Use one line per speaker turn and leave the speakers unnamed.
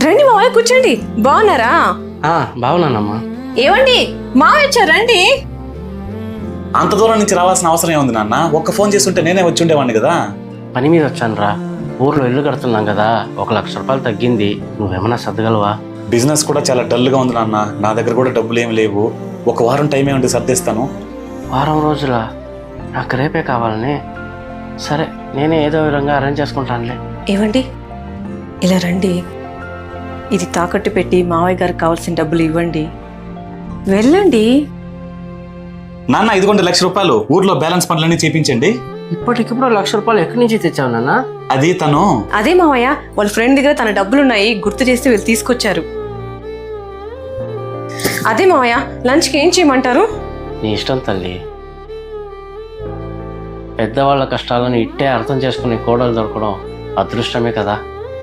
రండి మావయ్య కూర్చోండి. బాగున్నారా?
బాగున్నానమ్మా.
ఏవండి మావయ్య వచ్చారు, రండి.
అంత దూరం నుంచి రావాల్సిన అవసరం ఏముంది నాన్న? ఒక్క ఫోన్ చేస్తుంటే నేనే వచ్చి ఉండేవాడిని కదా.
పని మీద వచ్చాను రా. ఊర్లో ఇల్లు కడుతున్నాం కదా, 1 లక్ష రూపాయలు తగ్గింది. నువ్వేమన్నా సర్దగలవా?
బిజినెస్ కూడా చాలా డల్గా ఉంది నాన్న. నా దగ్గర కూడా డబ్బులు ఏమి లేవు. 1 వారం టైం ఏమంటే సర్దేస్తాను.
వారం రోజుల? నాకు రేపే కావాలని. సరే, నేనే ఏదో విధంగా అరేంజ్ చేసుకుంటానులే.
ఏవండి ఇలా రండి. ఇది తాకట్టు పెట్టి మావయ్య గారికి కావాల్సిన డబ్బులు ఇవ్వండి. వెళ్ళండి.
నాన్న ఇదిగోండి 1 లక్ష రూపాయలు. ఊర్లో బ్యాలెన్స్ పనులన్నీ చేయించండి.
ఇప్పటికిప్పుడు 1 లక్ష రూపాయలు ఎక్కడి నుంచి తెచ్చావు నాన్న?
అది తను.
అదే మావయ్య, వాళ్ళ ఫ్రెండ్ దగ్గర తన డబ్బులున్నాయి, గుర్తు చేస్తే వీళ్ళు తీసుకొచ్చారు. అదే మావయ్య, లంచ్కి ఏం చేయమంటారు?
నీ ఇష్టం తల్లి. పెద్దవాళ్ళ కష్టాలను ఇట్టే అర్థం చేసుకునే కోడలు దొరకడం అదృష్టమే కదా.